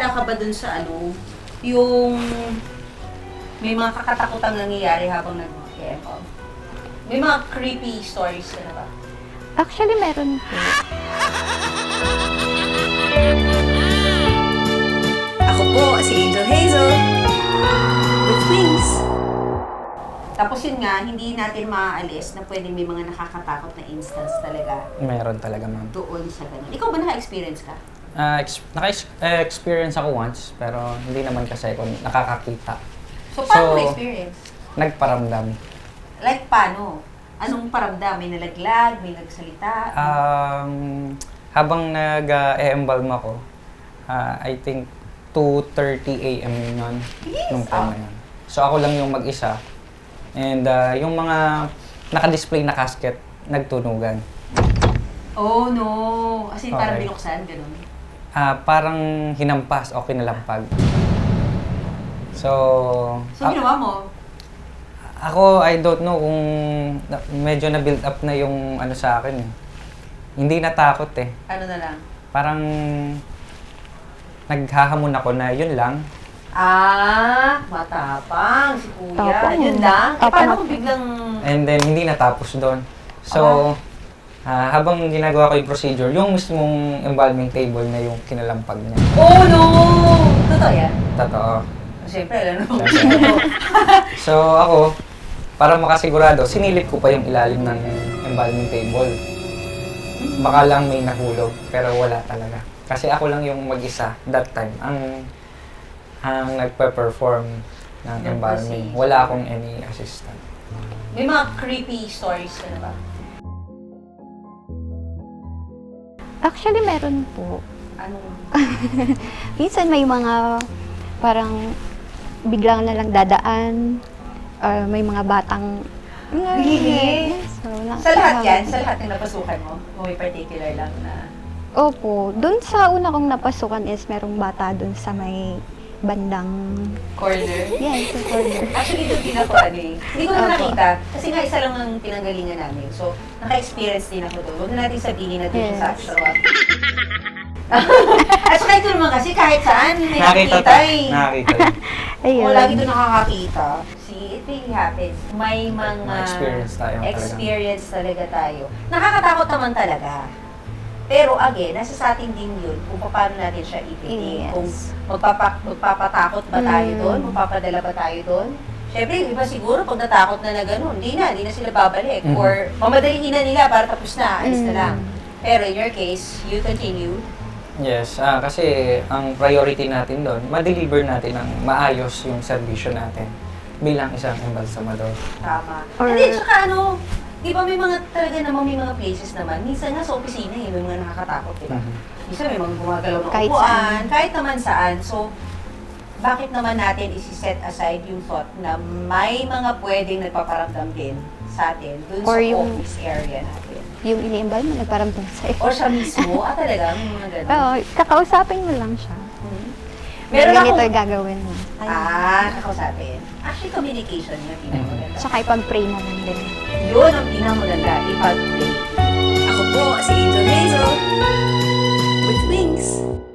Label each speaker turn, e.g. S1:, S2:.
S1: naniniwala ka ba dun sa ano, yung may mga kakatakutang nangyayari habang nag-EML? May mga creepy stories ka na ba?
S2: Actually, meron po.
S3: Ako po si Angel Hazel with wings.
S1: Tapos yun nga, hindi natin maaalis na pwedeng may mga nakakatakot na instance talaga
S4: Meron talaga, ma'am.
S1: doon sa ganun. Ikaw ba naka-experience ka?
S4: Naka-experience ako once, pero hindi naman kasi ako nakakakita.
S1: So, paano
S4: So,
S1: mo experience?
S4: Nagparamdam.
S1: Like, paano? Anong paramdam? May nalaglag? May nagsalita?
S4: Habang nag-e-embalm ako, I think 2:30 a.m. yun, nung time na yun. So ako lang yung mag-isa. And yung mga naka-display na casket, nagtunugan.
S1: Oh, no. As in, parang
S4: Okay.
S1: binuksan, ganun.
S4: Parang hinampas o kinalampag. So,
S1: So, ginawa mo?
S4: ako, I don't know kung medyo na-build up na yung ano sa akin eh. Hindi natakot eh.
S1: Ano na lang?
S4: Parang naghahamon ako na yun lang.
S1: Matapang si kuya.
S2: Tapang.
S1: Yun lang.
S2: Tapang.
S1: Paano kung biglang...
S4: And then, hindi natapos doon. So, habang ginagawa ko yung procedure, yung mismong embalming table na yung kinalampag niya.
S1: Oh, no! Totoo yan?
S4: Totoo.
S1: Siyempre, alam mo.
S4: So, ako, para makasigurado, sinilip ko pa yung ilalim ng embalming table. Baka lang may nahulog, pero wala talaga. Kasi ako lang yung mag-isa that time ang nagpe-perform ng embalming. Wala akong any assistant.
S1: May mga creepy stories ka na ba?
S2: Actually, meron po.
S1: Anong...
S2: Minsan may mga parang biglang na lang dadaan. May mga batang...
S1: Really?
S2: So,
S1: Sa lahat yan? Sa lahat ng napasukan mo? O may particular lang na...
S2: Opo. Doon sa una kong napasukan is merong bata doon sa may bandang...
S1: Corner?
S2: Yes, sa corner.
S1: Actually, doon din ako ano eh. Hindi ko na
S2: Opo.
S1: nakita. Kasi nga isa lang ang pinanggalingan namin. So, naka-experience din ako doon. Huwag na natin sabihin na doon sa
S2: Yes.
S1: actual. At saka ito naman kasi kahit saan may
S4: Nakita
S1: nakikita eh.
S4: Nakakita.
S2: Ayun.
S1: O lagi doon nakakakita. See, it really happens. May mga
S4: Mga experience tayo talaga.
S1: experience talaga tayo. Nakakatakot naman talaga. Pero again, nasa sa atin din yun kung paano natin siya ititin.
S2: Yes.
S1: Kung magpapatakot ba tayo doon?
S2: Mm.
S1: Magpapadala ba tayo doon? Siyempre, iba siguro pag natakot na na gano'n, hindi na sila babalik.
S4: Mhm.
S1: Or mamadaliin na nila para tapos na, alis na
S2: Mm.
S1: lang. Pero in your case, you continue.
S4: Yes, kasi ang priority natin doon, ma-deliver natin ng maayos yung servisyo natin bilang isang embalsamador.
S1: Tama.
S2: Or-
S1: And then, tsaka ano, di ba may mga talaga namang may mga places naman, minsan nga sa opisina eh, may mga nakakatakot, di ba?
S4: Mhm.
S1: Minsan may mga gumagalaw ng
S2: Kahit
S1: upuan,
S2: saan.
S1: kahit naman saan. So, bakit naman natin isi-set aside yung thought na may mga pwedeng nagpaparamdam din sa atin dun
S2: Or
S1: sa
S2: yung-
S1: office area natin?
S2: Yung ini-embal mo, nagparamdam sa'yo.
S1: Or siya mismo, talaga, may mga ganun.
S2: Oo, kakausapin mo lang siya.
S1: Meron
S2: ganito
S1: akong-
S2: yung gagawin mo.
S1: Kakausapin. Actually, communication yung pinakamaganda.
S2: Tsaka ipag-pray mo lang din.
S1: Yun ang pinakamaganda, ipag-pray.
S3: Ako po si Angel Hazel with wings.